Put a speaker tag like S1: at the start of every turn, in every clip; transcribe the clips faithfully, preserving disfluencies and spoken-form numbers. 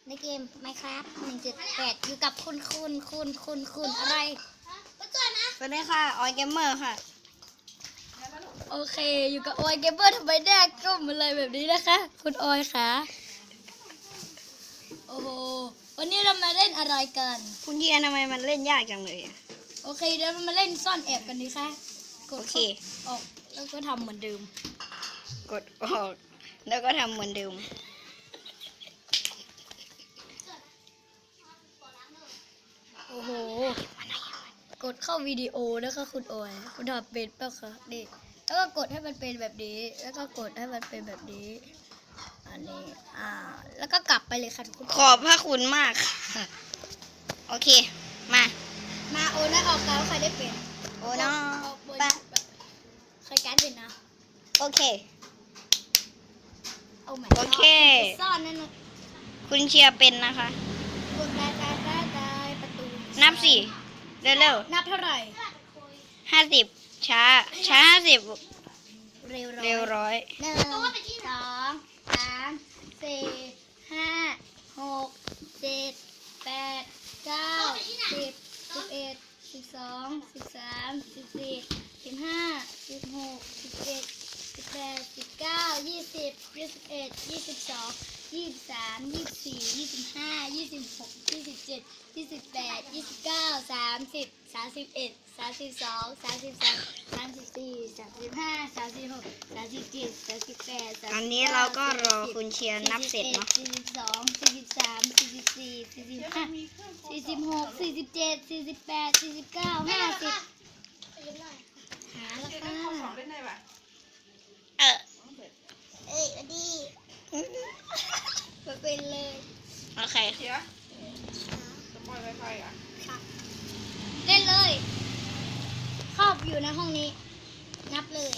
S1: ในเกม Minecraft หนึ่งจุดแปด อยู่กับคุณคุณคุณคุณคุณอะไรสวัสดีค่ะออยเกมเมอร์ค่ะโอเคอยู่กับออยเกมเมอร์ทำไมแดกก้มอะไรแบบนี้นะคะคุณออยคะโอ้โหวันนี้เรามาเล่นอะไรกัน
S2: คุณเยียทำไมมันเล่นยากจังเลยอะ
S1: โอเคเดี๋ยวเรามาเล่นซ่อนแอบกันดีค่ะกด
S2: โอเค
S1: ออกแล้วก็ทำเหมือนเดิม
S2: กดออกแล้วก็ทำเหมือนเดิม
S1: โอ้โหกดเข้าวิดีโอแล้วก็คุณออยคุณทำเป็นเปล่าคะนี่แล้วก็กดให้มันเป็นแบบนี้แล้วก็กดให้มันเป็นแบบนี้อันนี้อ่าแล้วก็กลับไปเลยค่ะทุกคน
S2: ขอบพระคุณมากค่ะโอเคมา
S1: มาโอนะออกแล้วใครได้เป็น
S2: โอ้น้องปะ
S1: ใครการเป็นนะ
S2: โอเค
S1: เอาใหม่
S2: โอเค
S1: ซ่อนนั่นนะ
S2: คุณเชียร์เป็นนะคะ
S1: กดได้ได้ได้ได้ประตู
S2: นับสี่เร็วเร็ว
S1: นับเท่าไหร่
S2: ห้าสิบช้าช้าห้าสิบ
S1: เร็วร้อย
S2: เร็วร้อย
S1: หนึ่งสองสามสี่ห้าหกเจ็ดแปดเก้าสิบสิบเอ็ดสิบสองสิบสามสิบสี่สิบห้าสิบหกสิบเจ็ดสิบแปดสิบเก้ายี่สิบยี่สิบเอ็ดยี่สิบสองยี่สิบสามยี่สิบสี่ยี่สิบห้ายี่สิบหกยี่สิบเจ็ดยี่สิบแปดยี่สิบเก้าสามสิบสามสิบเอ็ดสามสิบสองสามสิบสามสามสิบสี่สามสิบห้าสามสิบหกสามสิบเจ็ดสามสิบแปด
S2: อันนี้เราก็รอคุณเชียร์นับเสร็จเนาะ
S1: สี่สิบสองสี่สิบสามสี่สิบสี่สี่สิบห้าสี่สิบหกสี่สิบเจ็ดสี่สิบแปดสี่สิบเก้าห้าสิบหาแล้วค่ะ
S2: เออ
S1: เอ้ยอดีไปเป็นเลย
S2: โอเค
S3: เชียร์จะปล่อยไวไฟอ่ะ
S1: ค่ะเล่นเลยครอบอยู่ในห้องนี้นับเลย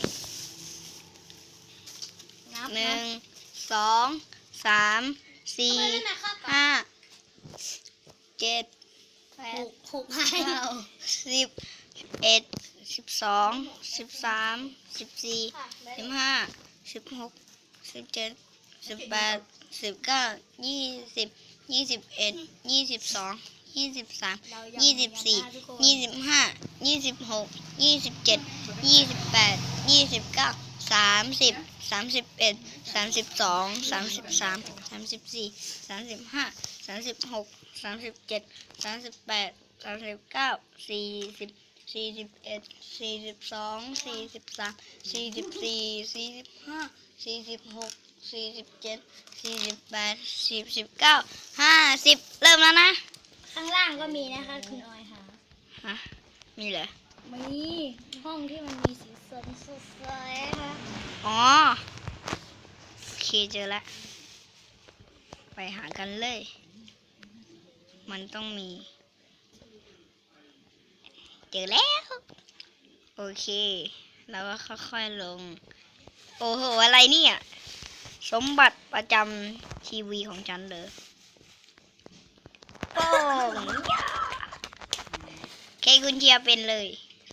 S1: นับ
S2: หนึ่งสองสามสี่ห้าเจ็ด
S1: แปดหกห้า
S2: เก้าสิบเอ็ดสิบสองสิบสามสิบสี่สิบห้าสิบหกสิบเจ็ดสิบแปดสิบเก้ายี่สิบยี่สิบเอ็ดยี่สิบสองยี่สิบสามยี่สิบสี่ยี่สิบห้ายี่สิบหกยี่สิบเจ็ดยี่สิบแปดยี่สิบเก้าสามสิบสามสิบเอ็ดสามสิบสองสามสิบสามสามสิบสี่สามสิบห้าสามสิบหกสามสิบเจ็ดสามสิบแปดสามสิบเก้าสี่สิบสี่สิบเอ็ดสี่สิบสองสี่สิบสามสี่สิบสี่สี่สิบห้าสี่สิบหกสี่สิบเจ็ดสี่สิบแปดสี่สิบเก้าห้าสิบเริ่มแล้วนะ
S1: ข้างล่างก็มีนะคะคุณออยค่ะ
S2: ฮะมีเหรอ
S1: มีห้องที่มันมีสีสันสดใสค่ะ
S2: อ๋อโอเคเจอแล้วไปหากันเลยมันต้องมีเจอแล้วโอเคแล้วก็ค่อยๆลงโอ้โหอะไรเนี่ยสมบัติประจำทีวีของฉันเลยโป้งเคคุณเชียร์เป็นเลย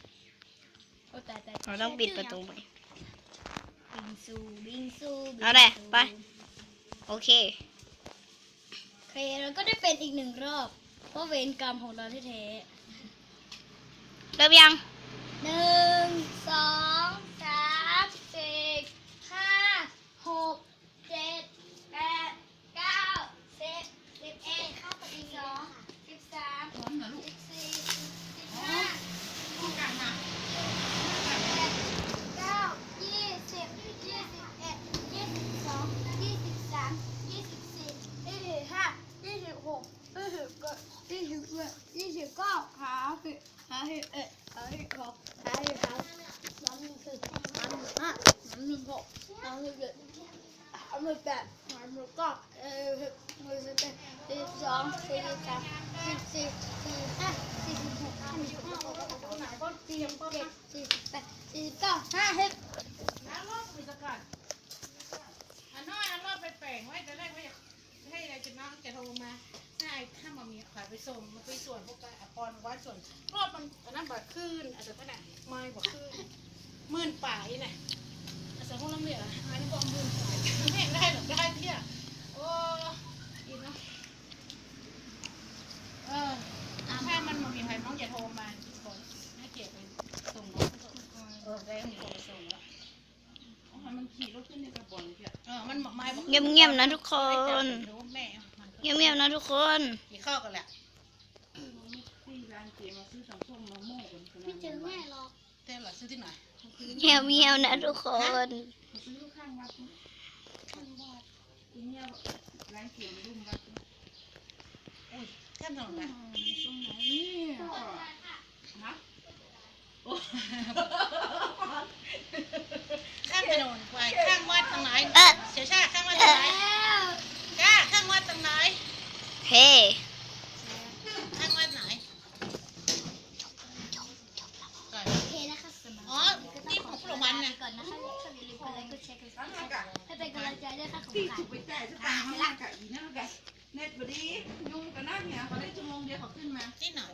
S2: เราต้องปิดประตูไหม
S1: บิงซูบิงซู
S2: เอาเลยไปโอเค
S1: โอเคเราก็ได้เป็นอีกหนึ่งรอบเพราะเวรกรรมของเราแท้
S2: ๆเริ่มยัง
S1: หนึ่งสองสามสี่ห้าหกเจ็ดแปดเก้าสิบสิบเอ็ดสิบสองสิบสามสิบสี่สิบห้าสิบหกเก้ายี่สิบยี่สิบเอ็ดยี่สิบสองยี่สิบสามยี่สิบสี่ยี่สิบห้ายี่สิบหกยี่สิบเจ็ดยี่สิบแปดยี่สิบเก้าหาสิบหาสิบเอ็ดหาสิบสองหาสิบสามสามสิบสี่สามสิบห้าสามสิบหกสามสิบเจ็ดสามสิบแปดสามสิบเก้าเออสิบสิบเอ็ดสิบสองสี่สิบสามสิบสี่สี่สิบห้าสี่สิบหกสี่สิบเจ็ดสี่สิบแปดสี่สิบเก้าห้าสิบ
S3: น้ำรอดมีสกัดอันน้อยอันรอดไปแปลงไว้แต่แรกไม่อยากให้อะไรจะน้องจะโทรมาให้ถ้ามามีขายไปส่งมาไปส่วนพวกกันอภรวัดส่วนรอบมันอันนั้นแบบขึ้นอาจจะขนาดไม้บอกขึ้นหมื่นป่ายเนี่ยอาจจะพวกเราเนี่ยอันนี้ก็หมื่นป่ายไม่ได้หรอกได้เที่ยโอ้ยเนาะ
S2: เงียบๆนะทุกคน
S3: รู้แม่มัน
S2: เงียบๆนะทุกคน
S3: กินข้าวกันแหละ
S1: ไม่เจอแม่หรอก
S3: เต้นหรอซื้อที่ไหน
S2: เงียบๆนะทุกคน
S3: อุ้ยข้ามถนนไป
S1: ตรงไหนเนี่ย
S3: ข้ามถนนไปข้างวัดตรงไหน
S2: เอ๊ะ
S3: เสียชาติข้างวัดตรงไหน
S1: แล้ว
S3: จ้าข้างวัดตรงไหน
S2: เฮ้
S3: ข้างวัดไหนก่อน
S1: โอเคนะคะสำหรับ
S3: อ๋อนี่ของพวกมันน่ะ
S1: ก่อนนะคะอย่าลืมกดไลค์กดแชร์กดซับสไครต์ให้เป็นกำลังใจด้วยค่ะขอบ
S4: ที่
S1: คุณ
S4: ถู
S1: ค่ะ
S4: กไปจ่ายสตางค์ให้ละกะอีนั่นกะเน็ตบดียุ่งกันนั่นเนี่ยเขาได้ชั่วโมงเดียวเขาขึ้นมา
S3: ที่ไหน